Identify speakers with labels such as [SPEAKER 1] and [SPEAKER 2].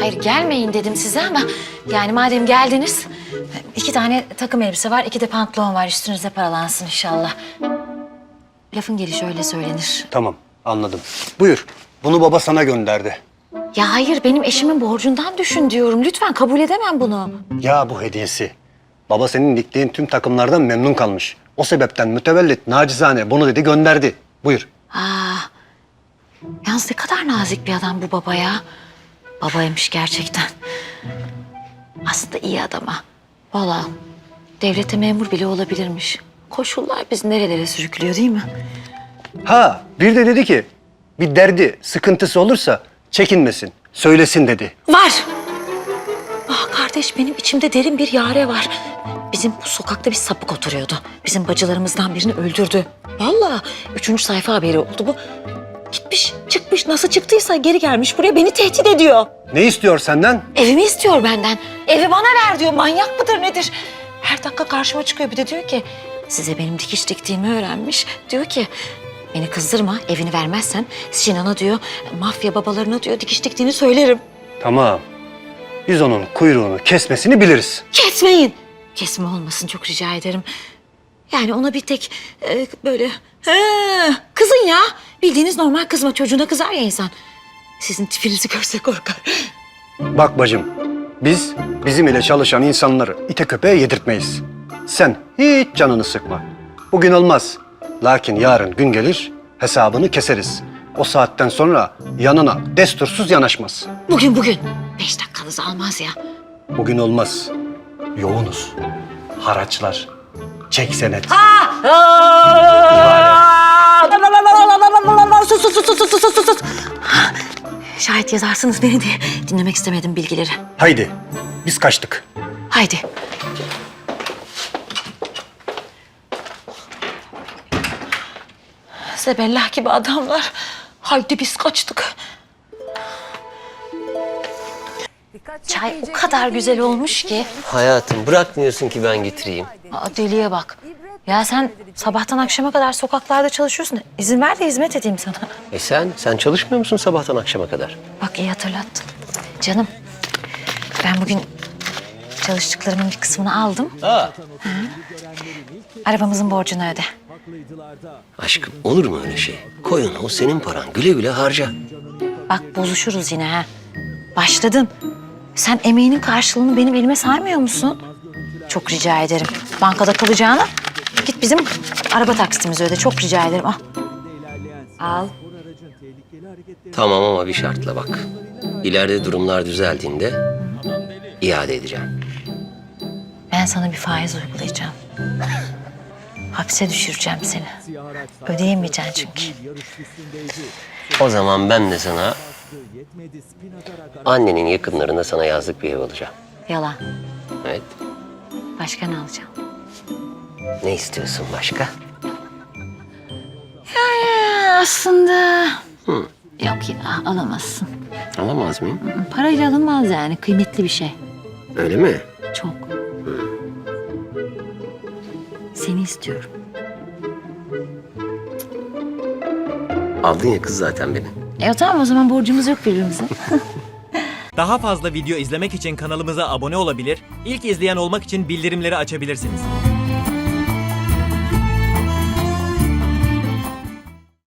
[SPEAKER 1] Hayır gelmeyin dedim size ama yani madem geldiniz 2 tane takım elbise var, 2 de pantolon var. Üstünüze paralansın inşallah. Lafın gelişi öyle söylenir.
[SPEAKER 2] Tamam, anladım. Buyur. Bunu baba sana gönderdi.
[SPEAKER 1] Ya hayır benim eşimin borcundan düşün diyorum. Lütfen kabul edemem bunu.
[SPEAKER 2] Ya bu hediyesi. Baba senin diktiğin tüm takımlardan memnun kalmış. O sebepten mütevellit nacizane bunu dedi gönderdi. Buyur.
[SPEAKER 1] Yalnız ne kadar nazik bir adam bu baba ya. Babaymış gerçekten. Aslında iyi adam ha. Vallahi devlete memur bile olabilirmiş. Koşullar bizi nerelere sürüklüyor değil mi?
[SPEAKER 2] Ha bir de dedi ki bir derdi, sıkıntısı olursa çekinmesin, söylesin dedi.
[SPEAKER 1] Var. Ah kardeş benim içimde derin bir yare var. Bizim bu sokakta bir sapık oturuyordu. Bizim bacılarımızdan birini öldürdü. Vallahi 3. sayfa haberi oldu bu. Gitmiş, çıkmış. Nasıl çıktıysa geri gelmiş buraya beni tehdit ediyor.
[SPEAKER 2] Ne istiyor senden?
[SPEAKER 1] Evimi istiyor benden. Evi bana ver diyor. Manyak mıdır nedir? Her dakika karşıma çıkıyor. Bir de diyor ki size benim dikiş diktiğimi öğrenmiş. Diyor ki beni kızdırma. Evini vermezsen Sinan'a diyor mafya babalarına diyor dikiş diktiğini söylerim.
[SPEAKER 2] Tamam. Biz onun kuyruğunu kesmesini biliriz.
[SPEAKER 1] Kesmeyin. Kesme olmasın çok rica ederim. Yani ona bir tek böyle kızın ya. Bildiğiniz normal kızma. Çocuğuna kızar ya insan. Sizin tipinizi görse korkar.
[SPEAKER 2] Bak bacım, biz bizim ile çalışan insanları ite köpeğe yedirtmeyiz. Sen hiç canını sıkma. Bugün olmaz. Lakin yarın gün gelir, hesabını keseriz. O saatten sonra yanına destursuz yanaşmaz.
[SPEAKER 1] Bugün. 5 dakikanızı almaz ya.
[SPEAKER 2] Bugün olmaz. Yoğunuz. Haraçlar, çek senet.
[SPEAKER 1] Sus. Şayet yazarsınız beni diye dinlemek istemedim bilgileri.
[SPEAKER 2] Haydi, biz kaçtık.
[SPEAKER 1] Haydi. Zebellah gibi adamlar. Haydi biz kaçtık. Çay o kadar güzel olmuş ki.
[SPEAKER 3] Hayatım bırakmıyorsun ki ben getireyim.
[SPEAKER 1] Aa, deliye bak. Ya sen sabahtan akşama kadar sokaklarda çalışıyorsun. İzin ver de hizmet edeyim sana.
[SPEAKER 3] Sen çalışmıyor musun sabahtan akşama kadar?
[SPEAKER 1] Bak iyi hatırlattın. Canım ben bugün çalıştıklarımın bir kısmını aldım. Arabamızın borcunu öde.
[SPEAKER 3] Aşkım olur mu öyle şey? Koyun o senin paran, güle güle harca.
[SPEAKER 1] Bak bozuşuruz yine ha. Başladın. Sen emeğinin karşılığını benim elime saymıyor musun? Çok rica ederim. Bankada kalacağına git bizim araba taksitimizi öde. Çok rica ederim. Al. Al.
[SPEAKER 3] Tamam ama bir şartla bak. İleride durumlar düzeldiğinde iade edeceğim.
[SPEAKER 1] Ben sana bir faiz uygulayacağım. Hapse düşüreceğim seni. Ödeyemeyeceksin çünkü.
[SPEAKER 3] O zaman ben de sana annenin yakınlarında sana yazlık bir ev alacağım.
[SPEAKER 1] Yalan.
[SPEAKER 3] Evet.
[SPEAKER 1] Başka ne alacağım?
[SPEAKER 3] Ne istiyorsun başka?
[SPEAKER 1] Aslında... Yok ya alamazsın.
[SPEAKER 3] Alamaz mıyım?
[SPEAKER 1] Parayla alınmaz yani. Kıymetli bir şey.
[SPEAKER 3] Öyle mi?
[SPEAKER 1] Çok. Seni istiyorum.
[SPEAKER 3] Aldın ya kız zaten beni.
[SPEAKER 1] Tamam o zaman borcumuz yok birbirimize.
[SPEAKER 4] Daha fazla video izlemek için kanalımıza abone olabilir, ilk izleyen olmak için bildirimleri açabilirsiniz.